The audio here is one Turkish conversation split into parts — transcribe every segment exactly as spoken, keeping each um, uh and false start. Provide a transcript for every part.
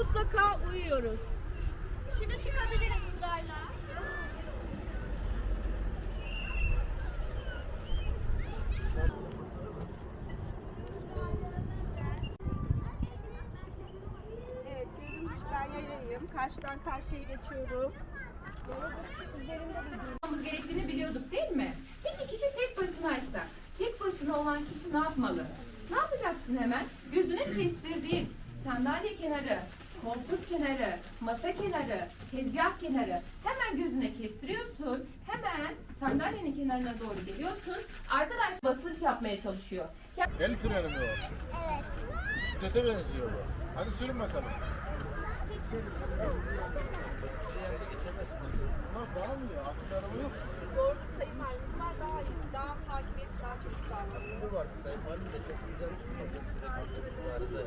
mutlaka uyuyoruz. Şimdi çıkabiliriz sırayla. Evet, görünmüş ben yayayım. Karşıdan karşıya geçiyorum. Yapmamız gerektiğini biliyorduk değil mi? Peki kişi tek başınaysa, tek başına olan kişi ne yapmalı? Ne yapacaksın hemen? Gözüne kestirdiğin sandalye kenarı, koltuk kenarı, masa kenarı, tezgah kenarı hemen gözüne kestiriyorsun. Hemen sandalyenin kenarına doğru geliyorsun. Arkadaş basınç yapmaya çalışıyor. Ya- El freni mi o? Evet. Bisiklete benziyor bu. Hadi sürün bakalım. Bunlar dağılmıyor. Artık araba yok. Doğru sayım halinde daha iyi. Daha takip et, daha çabuk davranıyor. Bu var. Sayın Valim de çok güzel vardı.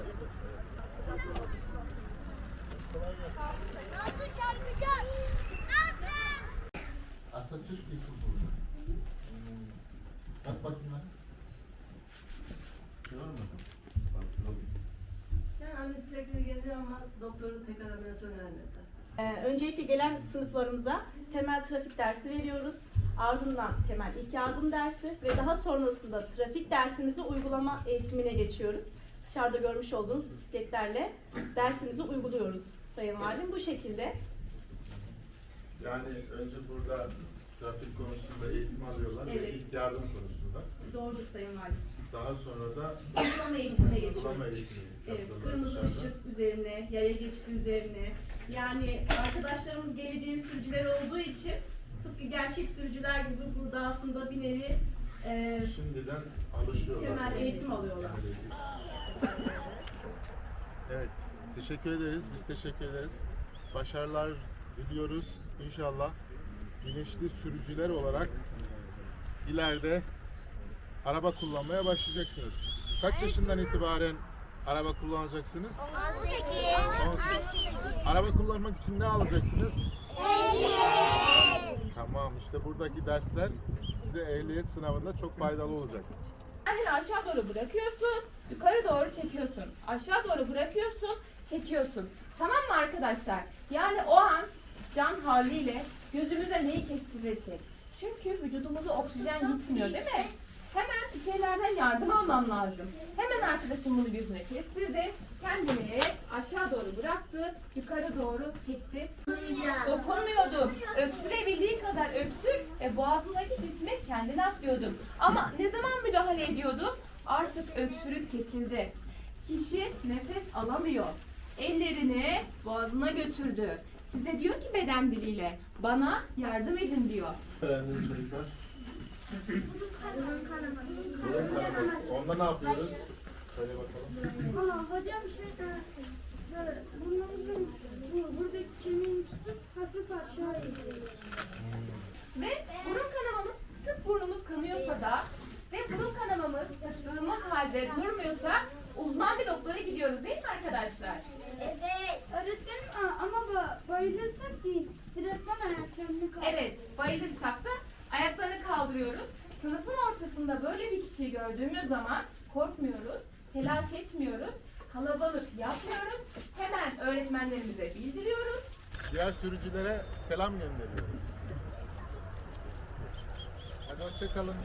Atatürk İlkokulu. Hmm. Bak bakayım lan. Görmedim. Bak, Yani anne sürekli geliyor ama doktorun tekrar ameliyatı önermedi. Ee, öncelikle gelen sınıflarımıza temel trafik dersi veriyoruz. Ardından temel ilk yardım dersi ve daha sonrasında trafik dersimizi uygulama eğitimine geçiyoruz. Dışarıda görmüş olduğunuz bisikletlerle dersimizi uyguluyoruz Sayın Valim. Bu şekilde. Yani önce burada trafik konusunda eğitim alıyorlar Evet. ve ilk yardım konusunda. Doğrudur Sayın Valim. Daha sonra da Uygulama eğitimine uygulama geçiyoruz. eğitimi Evet, yapıyorlar kırmızı dışarıda. ışık üzerine, yaya geçidi üzerine. Yani arkadaşlarımız geleceğin sürücüler olduğu için tıpkı gerçek sürücüler gibi burada aslında bir nevi e, Şimdiden alışıyorlar. temel eğitim alıyorlar. Temel eğitim. Evet, teşekkür ederiz. Biz teşekkür ederiz. Başarılar diliyoruz. İnşallah bilinçli sürücüler olarak ileride araba kullanmaya başlayacaksınız. Kaç yaşından itibaren araba kullanacaksınız? on sekiz. Araba kullanmak için ne alacaksınız? Ehliyet. Tamam, işte buradaki dersler size ehliyet sınavında çok faydalı olacak. Kendini aşağı doğru bırakıyorsun, yukarı doğru çekiyorsun. Aşağı doğru bırakıyorsun, çekiyorsun. Tamam mı arkadaşlar? Yani o an can haliyle gözümüze neyi kestirirsek. Çünkü vücudumuza oksijen gitmiyor değil mi? Hemen bir şeylerden yardım almam lazım. Hemen arkadaşım bunu gözüne kestirdi. Kendini aşağı doğru bıraktı, yukarı doğru çekti. Dokunmuyordum. Öksürebildiği kadar öksür ve boğazındaki cismi kendine atlıyordum. Ama ne zaman müdahale ediyordum? Artık öksürük kesildi. Kişi nefes alamıyor. Ellerini boğazına götürdü. Size diyor ki beden diliyle, bana yardım edin diyor. Öğrendiniz çocuklar. Burun kanaması. Onda ne yapıyoruz? Söyle bakalım. Aa, hocam şey böyle burnumuzun bu, buradaki kemiğini tutup hafif aşağı itiyoruz. Ve burun kanamamız sık burnumuz kanıyorsa da ve burun kanamamız sıktığımız halde durmuyorsa uzman bir doktora gidiyoruz değil mi arkadaşlar? Evet. Öğretmenim aa, ama ba- bayılırsak değil. Direktman ayaklarını kaldır. Evet, bayılırsak da ayaklarını kaldırıyoruz. Sınıfın ortasında böyle bir kişiyi gördüğümüz zaman korkmuyoruz, telaş etmiyoruz, kalabalık yapmıyoruz. Hemen öğretmenlerimize bildiriyoruz. Diğer sürücülere selam gönderiyoruz. Hadi hoşça kalın.